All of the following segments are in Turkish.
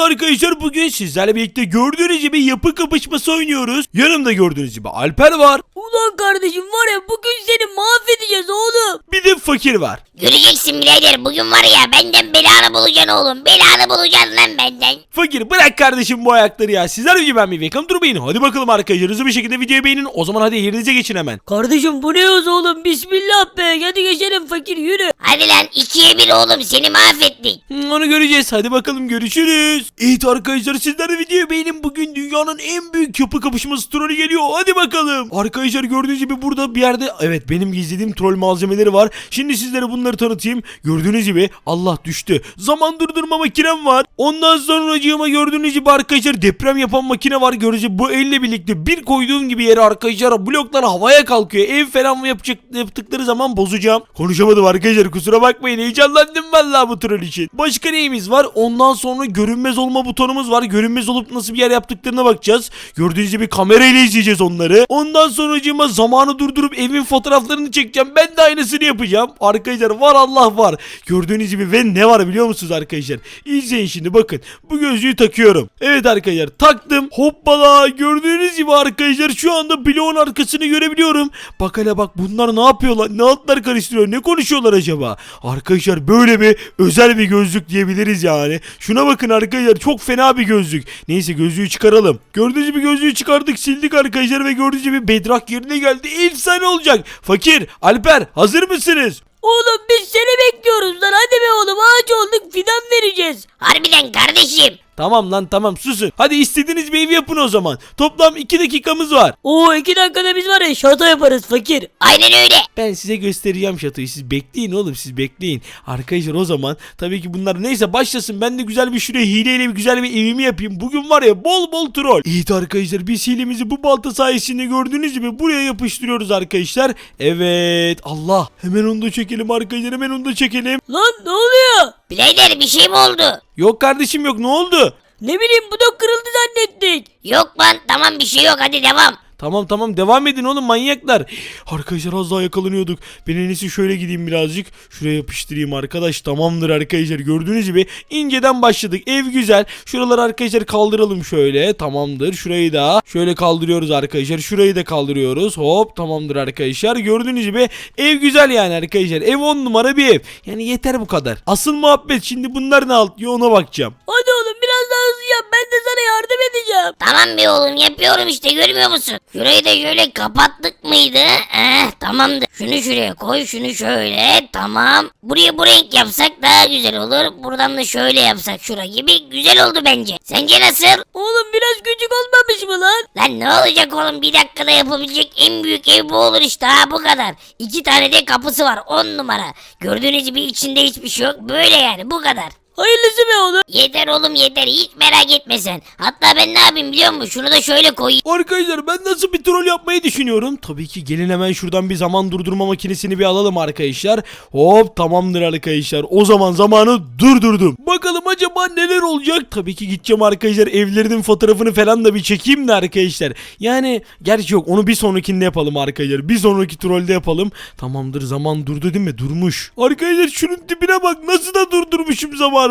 arkadaşlar bugün sizlerle birlikte gördüğünüz gibi yapı kapışması oynuyoruz. Yanımda gördüğünüz gibi Alper var. Ulan kardeşim var ya bugün seni mahvedeceğiz oğlum. Bir de Fakir var. Göreceksin birader, bugün var ya benden belanı bulacaksın oğlum. Belanı bulacaksın lan benden. Fakir bırak kardeşim bu ayakları ya. Sizler gibi ben bir welcome durmayın. Hadi bakalım arkadaşlar hızlı bir şekilde videoyu beğenin. O zaman hadi yerinize geçin hemen. Kardeşim bu ne yoz oğlum, bismillah be, hadi geçelim fakir yürü. Hadi lan 2'ye 1 oğlum, seni mahvettik. Onu göreceğiz. Hadi bakalım görüşürüz. Evet arkadaşlar sizler de videoyu beğenin. Bugün dünyanın en büyük yapı kapışması trolü geliyor. Hadi bakalım. Arkadaşlar gördüğünüz gibi burada bir yerde evet benim gizlediğim troll malzemeleri var. Şimdi sizlere bunları tanıtayım. Gördüğünüz gibi Allah düştü. Zaman durdurma makinem var. Ondan sonracığıma gördüğünüz gibi arkadaşlar deprem yapan makine var. Gördüğünüz gibi bu elle birlikte bir koyduğum gibi yere arkadaşlar bloklar havaya kalkıyor. Ev falan mı yaptıkları zaman bozacağım. Konuşamadım arkadaşlar kusura bakmayın. Heyecanlandım vallahi bu troll için. Başka neyimiz var? Ondan sonra görünmez olma butonumuz var. Görünmez olup nasıl bir yer yaptıklarına bakacağız. Gördüğünüz gibi kamerayla izleyeceğiz onları. Ondan sonracığıma zamanı durdurup evin fotoğraflarını çekeceğim. Ben de aynısını yapacağım. Arkadaşlar var Allah var. Gördüğünüz gibi ve ne var biliyor musunuz arkadaşlar? İzleyin şimdi bakın. Bu gözlüğü takıyorum. Evet arkadaşlar taktım. Hoppala gördüğünüz gibi arkadaşlar şu anda bloğun arkasını görebiliyorum. Bak hele bak bunlar ne yapıyorlar? Ne altlar karıştırıyor? Ne konuşuyorlar acaba? Arkadaşlar böyle bir özel bir gözlük diyebiliriz yani. Şuna bakın arkadaşlar çok fena bir gözlük. Neyse gözlüğü çıkaralım. Gördüğünüz gibi gözlüğü çıkardık sildik arkadaşlar ve gördüğünüz gibi bedrock yerine geldi. Efsane olacak. Fakir, Alper hazır mısınız? Oğlum biz seni bekliyoruz lan, hadi be oğlum, ağaç olduk, fidan vereceğiz. Harbiden kardeşim. Tamam lan tamam susun. Hadi istediğiniz bir ev yapın o zaman. Toplam 2 dakikamız var. Oo 2 dakikada biz var ya şato yaparız fakir. Aynen öyle. Ben size göstereceğim şatoyu. Siz bekleyin oğlum siz bekleyin. Arkadaşlar o zaman tabii ki bunlar neyse başlasın. Ben de güzel bir şuraya hileyle bir güzel bir evimi yapayım. Bugün var ya bol bol troll. Evet arkadaşlar biz hilemizi bu balta sayesinde gördüğünüz gibi buraya yapıştırıyoruz arkadaşlar. Evet Allah. Hemen onu da çekelim arkadaşlar hemen onu da çekelim. Lan ne oluyor? Birader bir şey mi oldu? Yok kardeşim yok ne oldu? Ne bileyim bu da kırıldı zannettik. Yok lan, tamam bir şey yok, hadi devam. Tamam devam edin oğlum manyaklar. Arkadaşlar az daha yakalanıyorduk. Ben en iyisi şöyle gideyim birazcık. Şuraya yapıştırayım arkadaş. Tamamdır arkadaşlar. Gördüğünüz gibi inceden başladık. Ev güzel. Şuraları arkadaşlar kaldıralım şöyle. Tamamdır. Şurayı da şöyle kaldırıyoruz arkadaşlar. Şurayı da kaldırıyoruz. Hop tamamdır arkadaşlar. Gördüğünüz gibi ev güzel yani arkadaşlar. Ev 10 numara bir ev. Yani yeter bu kadar. Asıl muhabbet şimdi bunlar ne alıyor ona bakacağım. Hadi oğlum biraz daha hızlı yap, ben de sana yardım edeceğim. Tamam be oğlum, yapıyorum işte, görmüyor musun? Şurayı da şöyle kapattık mıydı? Tamamdır. Şunu şuraya koy, şunu şöyle, tamam. Buraya bu renk yapsak daha güzel olur. Buradan da şöyle yapsak şura gibi güzel oldu bence. Sence nasıl? Oğlum biraz küçük olmamış mı lan? Lan ne olacak oğlum, bir dakikada yapabilecek en büyük ev bu olur işte, ha bu kadar. 2 tane de kapısı var 10 numara. Gördüğünüz gibi içinde hiçbir şey yok, böyle yani bu kadar. Hayırlısı be oğlum. Yeter oğlum yeter, hiç merak etme sen. Hatta ben ne yapayım biliyor musun? Şunu da şöyle koyayım. Arkadaşlar ben nasıl bir troll yapmayı düşünüyorum. Tabii ki gelin hemen şuradan bir zaman durdurma makinesini bir alalım arkadaşlar. Hop tamamdır arkadaşlar. O zaman zamanı durdurdum. Bakalım acaba neler olacak? Tabii ki gideceğim arkadaşlar. Evlerinin fotoğrafını falan da bir çekeyim de arkadaşlar. Yani gerçi yok onu bir sonrakinde yapalım arkadaşlar. Bir sonraki trollde yapalım. Tamamdır zaman durdu değil mi? Durmuş. Arkadaşlar şunun tipine bak nasıl da durdurmuşum zamanı.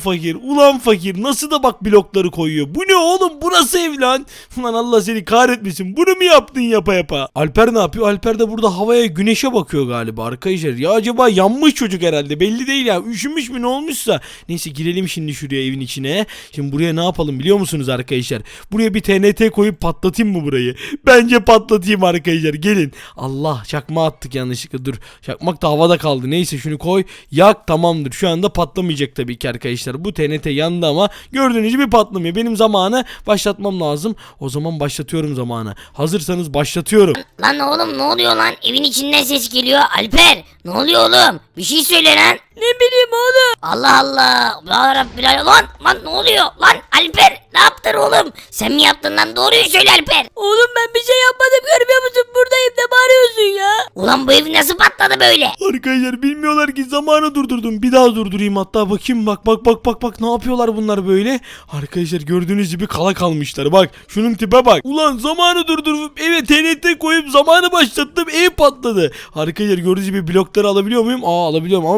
Ulan fakir nasıl da bak blokları koyuyor. Bu ne oğlum bu nasıl ev lan? Ulan Allah seni kahretmesin. Bunu mu yaptın yapa? Alper ne yapıyor? Alper de burada havaya güneşe bakıyor galiba arkadaşlar. Ya acaba yanmış çocuk herhalde belli değil ya. Üşümüş mü ne olmuşsa. Neyse girelim şimdi şuraya evin içine. Şimdi buraya ne yapalım biliyor musunuz arkadaşlar? Buraya bir TNT koyup patlatayım mı burayı? Bence patlatayım arkadaşlar gelin. Allah çakma attık yanlışlıkla dur. Çakmak da havada kaldı. Neyse şunu koy. Yak tamamdır. Şu anda patlamayacak tabii ki arkadaşlar. Bu TNT yandı ama gördüğünüz gibi patlamıyor. Benim zamanı başlatmam lazım. O zaman başlatıyorum zamanı. Hazırsanız başlatıyorum. Lan oğlum ne oluyor lan? Evin içinden ses geliyor. Alper ne oluyor oğlum? Bir şey söyle lan. Ne bileyim oğlum. Allah Allah. Ya Rabbil lan ne oluyor? Lan Alper ne yaptın oğlum? Sen mi yaptın lan? Doğruyu söyle Alper. Oğlum ben bir şey yapmadım, görmüyor musun? Buradayım, ne bağırıyorsun ya? Ulan bu ev nasıl patladı böyle? Arkadaşlar bilmiyorlar ki zamanı durdurdum. Bir daha durdurayım hatta bakayım bak ne yapıyorlar bunlar böyle. Arkadaşlar gördüğünüz gibi kala kalmışlar bak. Şunun tipe bak. Ulan zamanı durdurup eve TNT koyup zamanı başlattım ev patladı. Arkadaşlar gördüğünüz gibi blokları alabiliyor muyum? Alabiliyorum ama bloklar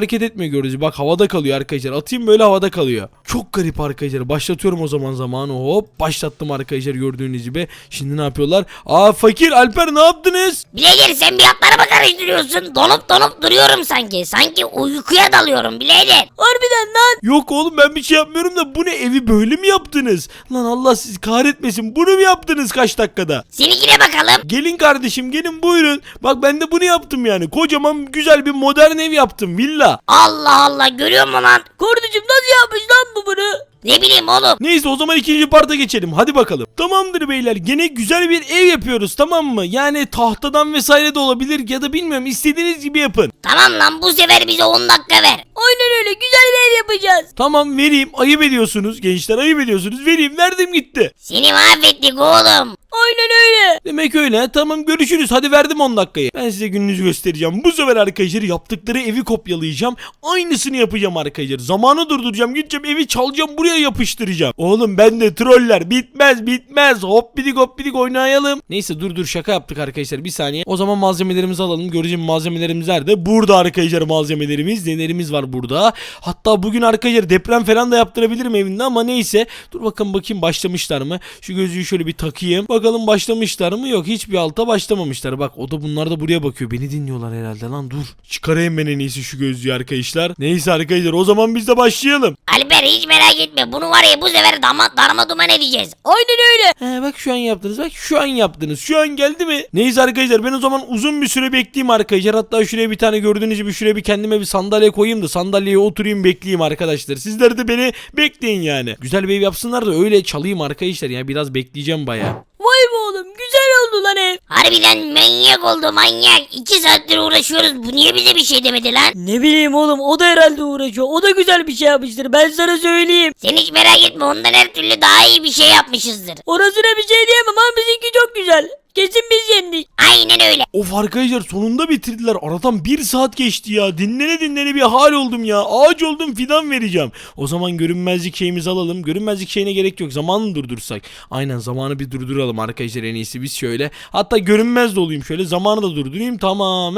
hareket etmiyor gördüğünüz gibi. Bak havada kalıyor arkadaşlar. Atayım böyle havada kalıyor. Çok garip arkadaşlar. Başlatıyorum o zaman zamanı. Hop başlattım arkadaşlar gördüğünüz gibi. Şimdi ne yapıyorlar? Aa Fakir, Alper ne yaptınız? Birader sen bir atlarımı karıştırıyorsun. Donup donup duruyorum sanki. Sanki uykuya dalıyorum birader. Harbiden lan. Yok oğlum ben bir şey yapmıyorum da bu ne, evi böyle mi yaptınız? Lan Allah sizi kahretmesin, bunu mu yaptınız kaç dakikada? Seninkine bakalım. Gelin kardeşim gelin buyurun. Bak ben de bunu yaptım yani. Kocaman güzel bir modern ev yaptım, villa. Allah Allah, görüyor musun lan? Kardeşim nasıl yapmış lan bu bunu? Ne bileyim oğlum. Neyse o zaman ikinci parta geçelim. Hadi bakalım. Tamamdır beyler. Gene güzel bir ev yapıyoruz, tamam mı? Yani tahtadan vesaire de olabilir ya da bilmiyorum, istediğiniz gibi yapın. Tamam lan, bu sefer bize 10 dakika ver. Aynen öyle, güzel bir ev yapacağız. Tamam vereyim. Ayıp ediyorsunuz gençler, ayıp ediyorsunuz. Vereyim, verdim gitti. Seni mahvettik oğlum. Aynen öyle. Demek öyle. Tamam görüşürüz. Hadi verdim 10 dakikayı. Ben size gününüzü göstereceğim. Bu sefer arkadaşlar yaptıkları evi kopyalayacağım. Aynısını yapacağım arkadaşlar. Zamanı durduracağım. Gideceğim evi çalacağım. Buraya yapıştıracağım. Oğlum ben de troller. Bitmez bitmez. Hop bidik oynayalım. Neyse dur şaka yaptık arkadaşlar. Bir saniye. O zaman malzemelerimizi alalım. Göreceğim malzemelerimiz nerede? Burada arkadaşlar malzemelerimiz. Nelerimiz var burada. Hatta bugün arkadaşlar deprem falan da yaptırabilirim evinde ama neyse. Dur bakayım başlamışlar mı? Şu gözlüğü şöyle bir takayım. Bakalım başlamışlar mı? Yok, hiçbir alta başlamamışlar. Bak o da, bunlar da buraya bakıyor. Beni dinliyorlar herhalde lan, dur. Çıkarayım ben en iyisi şu gözlüğü arkadaşlar. Neyse arkadaşlar o zaman biz de başlayalım. Alper hiç merak etme, bunu var ya bu sefer darma duman edeceğiz. Aynen öyle. Bak şu an yaptınız. Bak şu an yaptınız. Şu an geldi mi? Neyse arkadaşlar ben o zaman uzun bir süre bekleyeyim arkadaşlar. Hatta şuraya bir tane gördüğünüz gibi şuraya bir kendime bir sandalye koyayım da sandalyeye oturayım bekleyeyim arkadaşlar. Sizler de beni bekleyin yani. Güzel bir ev yapsınlar da öyle çalayım arkadaşlar. Yani biraz bekleyeceğim bayağı. Vay be oğlum, güzel oldu lan ev. Harbiden manyak oldu manyak. 2 saattir uğraşıyoruz, bu niye bize bir şey demedi lan? Ne bileyim oğlum, o da herhalde uğraşıyor. O da güzel bir şey yapmıştır, ben sana söyleyeyim. Sen hiç merak etme, ondan her türlü daha iyi bir şey yapmışızdır. Orasına bir şey diyemem ama bizimki çok güzel. Kesin biz yendik. Aynen öyle. Of arkadaşlar sonunda bitirdiler. Aradan 1 saat geçti ya. Dinlene bir hal oldum ya. Ağaç oldum, fidan vereceğim. O zaman görünmezlik şeyimizi alalım. Görünmezlik şeyine gerek yok. Zamanı durdursak. Aynen, zamanı bir durduralım arkadaşlar en iyisi biz şöyle. Hatta görünmez de olayım şöyle. Zamanı da durdurayım. Tamam.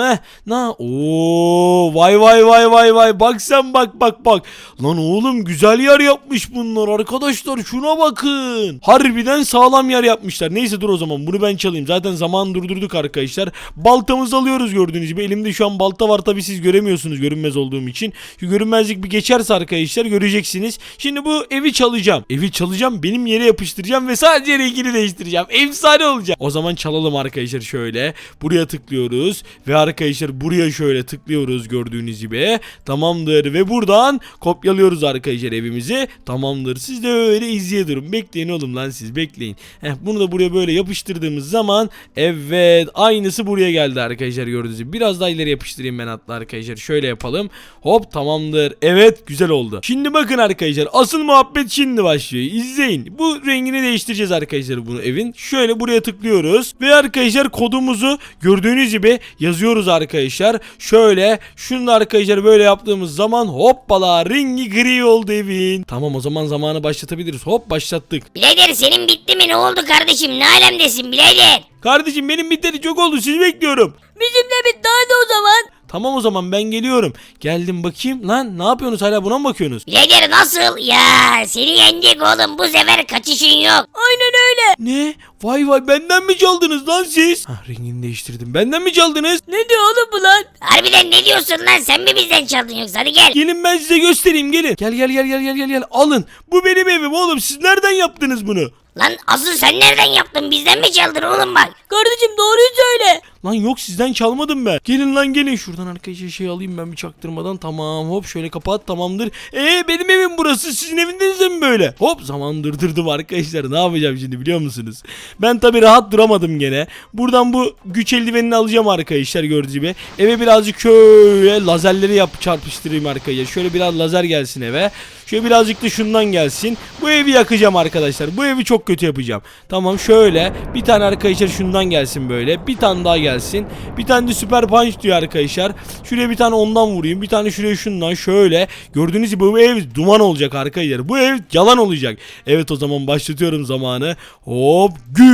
Vay. Bak sen bak. Lan oğlum güzel yer yapmış bunlar arkadaşlar. Şuna bakın. Harbiden sağlam yer yapmışlar. Neyse dur o zaman bunu ben çalayım. Zaten zamanı durdurduk arkadaşlar. Baltamızı alıyoruz gördüğünüz gibi. Elimde şu an balta var, tabi siz göremiyorsunuz görünmez olduğum için. Şu görünmezlik bir geçerse arkadaşlar göreceksiniz. Şimdi bu evi çalacağım. Benim yere yapıştıracağım ve sadece rengini değiştireceğim. Efsane olacak. O zaman çalalım arkadaşlar şöyle. Buraya tıklıyoruz ve arkadaşlar buraya şöyle tıklıyoruz gördüğünüz gibi. Tamamdır ve buradan kopyalıyoruz arkadaşlar evimizi. Tamamdır. Siz de öyle izleye durun. Bekleyin oğlum lan, siz bekleyin. Bunu da buraya böyle yapıştırdığımız zaman evet aynısı buraya geldi arkadaşlar gördüğünüz gibi. Biraz daha ileri yapıştırayım ben hatta arkadaşlar. Şöyle yapalım. Hop tamamdır. Evet güzel oldu. Şimdi bakın arkadaşlar asıl muhabbet şimdi başlıyor. İzleyin. Bu rengini değiştireceğiz arkadaşlar bunu evin. Şöyle buraya tıklıyoruz. Ve arkadaşlar kodumuzu gördüğünüz gibi yazıyoruz arkadaşlar. Şöyle şunu da arkadaşlar böyle yaptığımız zaman hoppala rengi gri oldu evin. Tamam o zaman zamanı başlatabiliriz. Hop başlattık. Birader senin bitti mi, ne oldu kardeşim, ne alemdesin birader? Kardeşim benim biteli çok oldu, sizi bekliyorum. Bizim de bitti, hadi o zaman. Tamam o zaman ben geliyorum. Geldim bakayım. Lan ne yapıyorsunuz, hala buna mı bakıyorsunuz? Birader nasıl? Ya seni yendik oğlum, bu sefer kaçışın yok. Aynen öyle. Ne? Vay benden mi çaldınız lan siz? Rengini değiştirdim. Benden mi çaldınız? Ne diyor oğlum bu lan? Harbiden ne diyorsun lan, sen mi bizden çaldın yoksa, hadi gel. Gelin ben size göstereyim, gelin. Gel. Alın. Bu benim evim oğlum. Siz nereden yaptınız bunu? Lan asıl sen nereden yaptın, bizden mi çaldın oğlum bak. Kardeşim doğruyu söyle. Lan yok sizden çalmadım ben. Gelin lan gelin. Şuradan arkadaşlar şey alayım ben bir çaktırmadan. Tamam hop şöyle kapat, tamamdır. Benim evim burası. Sizin eviniz de mi böyle? Hop zaman durdurdum arkadaşlar. Ne yapacağım şimdi biliyor musunuz? Ben tabi rahat duramadım gene. Buradan bu güç eldivenini alacağım arkadaşlar gördüğünüz gibi. Eve birazcık şöyle lazerleri çarpıştırayım arkadaşlar. Şöyle biraz lazer gelsin eve. Şöyle birazcık da şundan gelsin. Bu evi yakacağım arkadaşlar. Bu evi çok kötü yapacağım. Tamam şöyle bir tane arkadaşlar şundan gelsin böyle. Bir tane daha gelsin. Bir tane de süper punch diyor arkadaşlar. Şuraya bir tane ondan vurayım. Bir tane şuraya şundan şöyle. Gördüğünüz gibi bu ev duman olacak arkadaşlar. Bu ev yalan olacak. Evet o zaman başlatıyorum zamanı. Hop gül.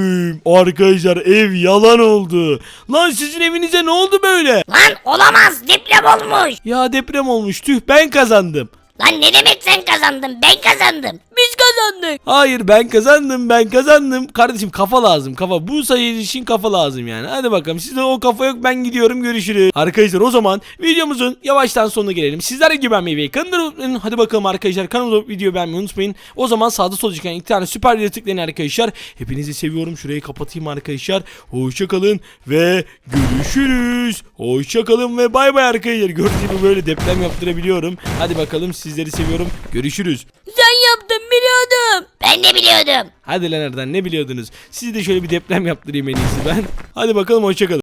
Arkadaşlar ev yalan oldu. Lan sizin evinize ne oldu böyle? Lan olamaz, deprem olmuş. Ya deprem olmuş, tüh, ben kazandım. Lan ne demek sen kazandın, ben kazandım. Biz kazandık. Hayır, ben kazandım. Kardeşim kafa lazım, kafa. Bu sayı için kafa lazım yani. Hadi bakalım, sizde o kafa yok, ben gidiyorum, görüşürüz. Arkadaşlar o zaman videomuzun yavaştan sonuna gelelim. Sizler gibi beğenmeyi ve kanalıma unutmayın. Hadi bakalım arkadaşlar, kanalıma video beğenmeyi unutmayın. O zaman sağda solda çıkan iki tane süper video tıklayın arkadaşlar. Hepinizi seviyorum, şurayı kapatayım arkadaşlar. Hoşçakalın ve görüşürüz. Hoşçakalın ve bay bay arkadaşlar. Gördüğünüz gibi böyle deprem yaptırabiliyorum. Hadi bakalım, sizleri seviyorum. Görüşürüz. Sen yaptın, biliyordum. Ben de biliyordum. Hadi lan, nereden ne biliyordunuz? Sizi de şöyle bir deprem yaptırayım en iyisi ben. Hadi bakalım, hoşçakalın.